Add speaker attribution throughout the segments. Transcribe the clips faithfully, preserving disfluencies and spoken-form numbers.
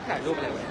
Speaker 1: ถ่ายรูปอะไรวะ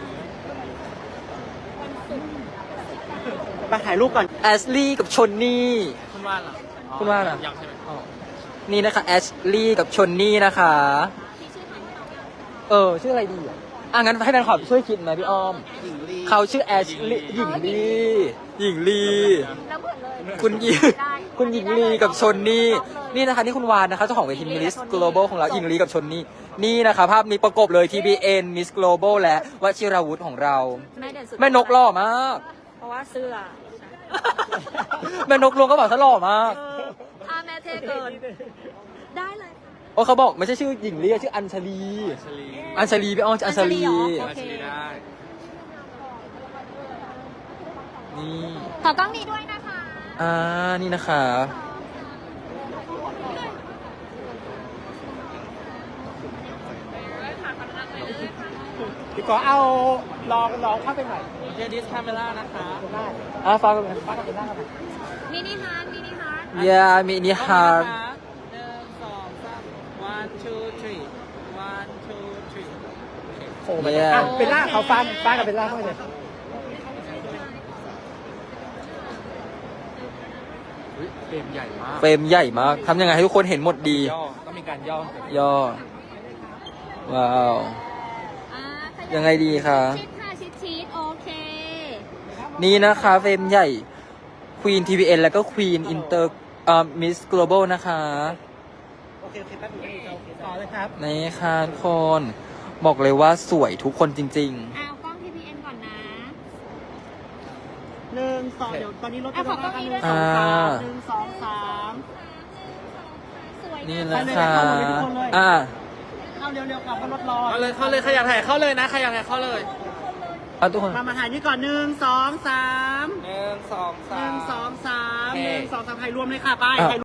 Speaker 2: ไปถ่ายรูปก่อนแอชลี่กับชนนี่
Speaker 1: คุณว่าล่ะ
Speaker 2: คุณว่าล่ะ
Speaker 1: ยังใช่ไหม
Speaker 2: นี่นะคะแอชลี่กับชนนี่นะคะเออชื่ออะไรดีอ่ะอ่ะงั้นให้แฟนคลับช่วยคิดไหมพี่อ้อม
Speaker 1: หญิงลี
Speaker 2: เขาชื่อแอชลี่หญิงลีหญิงลี
Speaker 3: แล้วเหมือนเลย
Speaker 2: คุณหญิงคุณหญิงลีกับชนนี่นี่นะคะนี่คุณวานนะคะเจ้าของเวที Miss Global ของเราหญิงลีกับชนนี่นี่นะคะภาพนี้ประกบเลย ที บี เอ็น Miss Global และวชิราวุธของเรา
Speaker 3: แม่เด่นสุด
Speaker 2: แม่นกหล่อมาก
Speaker 3: เพราะว่าเสื้อ
Speaker 2: แม่นกลวงก็บอกเขาหล่อมาก
Speaker 3: ถ้าแม่เท่เกิน ได้เลย
Speaker 2: โอ้เขาบอกไม่ใช่ชื่อหญิงลีชื่ออัญชลี
Speaker 1: ชลี
Speaker 2: อัญชลีพี่อ้อมอัญชลี
Speaker 3: โอเค
Speaker 1: ชลีได้
Speaker 2: นี่
Speaker 3: ขอกล้องนี้ด้วยนะคะ
Speaker 2: อ่านี่นะคะ
Speaker 4: พี่ขอเอาลองลองเข้าไปหน่อย
Speaker 1: เจดิสคาเมล่านะคะ
Speaker 2: อ่าฟังกัน
Speaker 4: ป้ากับเป็นหน้ากัน
Speaker 3: มินิฮาร์ดมินิฮาร์ด
Speaker 2: ยามินิฮาร์
Speaker 1: หนึ่งสองสาม one two three one two three
Speaker 4: โอ้ไปอ่ะเป็นหน้าเขาฟันป้ากับเป็นหน้าเข้าไปเลย
Speaker 1: อุ๊ยเฟรมใหญ่มาก
Speaker 2: เฟรมใหญ่มากทำยังไงให้ทุกคนเห็นหมดดี
Speaker 1: ย่อต้องมีการย่อ
Speaker 2: ย่อ ว้าว
Speaker 3: อ่าข
Speaker 2: ยังไงดีคะ
Speaker 3: ชิดค่ะชิดชิดโอเค
Speaker 2: นี่นะคะเฟรมใหญ่ Queen ที บี เอ็น แล้วก็ Queen Inter อ่า Miss Global นะคะ
Speaker 4: โอเคโอเคแป๊บนึงโอเคต่อเลยครับ
Speaker 2: นี่ค่ะทุกคน บอกเลยว่าสวยทุกคนจริง
Speaker 3: เอากล้อง ที พี เอ็น ก่อนนะ
Speaker 4: หนึ่งสองเดี๋ยวตอนนี้รถ
Speaker 3: อ่ะขอกล้องนี้ด้วย
Speaker 4: หนึ่งสองสามหนึ่งสองสาม
Speaker 3: สวย
Speaker 2: ๆ นี่
Speaker 3: นะ
Speaker 2: นะคะ
Speaker 4: ไปเลยนะเข้าหมดเลยทุกคนเลย
Speaker 2: อ่า
Speaker 4: เข้าเร็วๆกลับเพราะรถรอ
Speaker 1: เข้าเลยเข้าเลยใครอยากถ่ายเข้าเลยนะใครอยากถ่ายเข้าเลย
Speaker 2: เอาทุกคน
Speaker 4: มามาถ่ายนี่ก่อนหนึ่งสองสาม
Speaker 1: หนึ่งสอง
Speaker 4: ห
Speaker 1: สา
Speaker 4: นึ่
Speaker 1: ม
Speaker 4: งสองสาม
Speaker 1: โอเค
Speaker 4: หนึ่งสองสามถ่ายรวมเลยค่ะไป
Speaker 2: อ่ะ
Speaker 4: ถ่าย